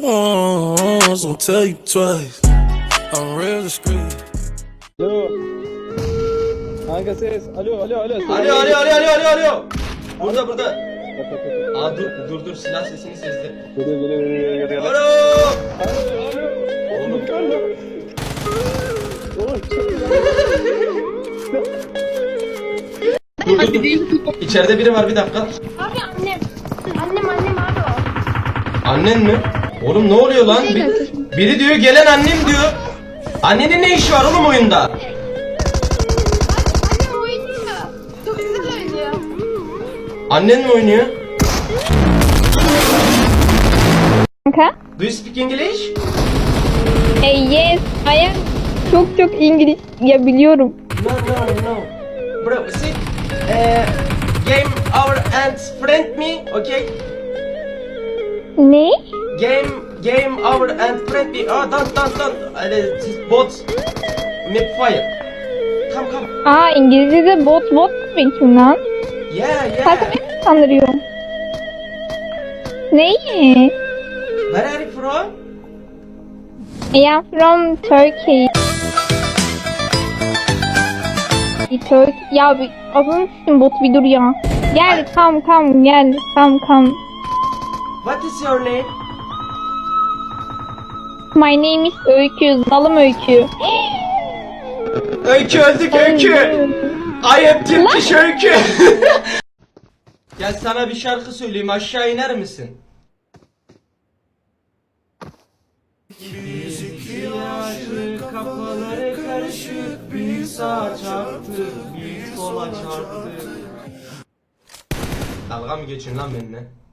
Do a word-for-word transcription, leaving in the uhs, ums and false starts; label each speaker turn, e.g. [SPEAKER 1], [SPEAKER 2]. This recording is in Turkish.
[SPEAKER 1] once, won't tell you twice. I'm real discreet.
[SPEAKER 2] Alo. Kanka ses. Alo alo alo. Ses.
[SPEAKER 3] Alo alo alo alo alo alo. Burada burada.
[SPEAKER 2] Bak, bak, bak.
[SPEAKER 3] Aa dur dur dur silah sesini sezdim.
[SPEAKER 2] Geliyor geliyor geliyor geliyor.
[SPEAKER 3] Alo.
[SPEAKER 2] Alo alo. Oğlum alo. Oğlum çok güzel.
[SPEAKER 3] Dur dur dur. İçeride biri var bir dakika.
[SPEAKER 4] Abi annem. Annem annem abi o.
[SPEAKER 3] Annen mi? Oğlum ne oluyor lan? Bir- biri diyor gelen annem diyor. Annenin ne işi var oğlum oyunda?
[SPEAKER 4] Annem oynuyor. Çok güzel oynuyor.
[SPEAKER 3] Annen mi oynuyor?
[SPEAKER 5] Kanka?
[SPEAKER 3] Do you speak English?
[SPEAKER 5] Hey yes, I am çok çok İngiliz ya biliyorum.
[SPEAKER 3] No no no. Bro sit. Uh, game our and friend me, okay?
[SPEAKER 5] Ne?
[SPEAKER 3] Game game our and friend me. Ah don't don't don't. Uh, bot. Make fire. Come come.
[SPEAKER 5] Aa İngilizce'de bot bot demek mi lan?
[SPEAKER 3] Yeah
[SPEAKER 5] Kanka
[SPEAKER 3] yeah.
[SPEAKER 5] beni sandırıyor. Neyi?
[SPEAKER 3] Where are you from?
[SPEAKER 5] I am from Turkey. Turkey. Ya bir adını s**tim bot bir dur ya. Gel kam kam gel kam kam.
[SPEAKER 3] What is your name?
[SPEAKER 5] My name is Öykü. Zalım Öykü.
[SPEAKER 3] Öykü öldük Öykü. I am Turkish Öykü. Gel sana bir şarkı söyleyeyim, aşağı iner misin? Yaşlı kafaları karışık, büyük sağa çarptı, büyük sola çarptı. Dalga mı geçin lan benimle?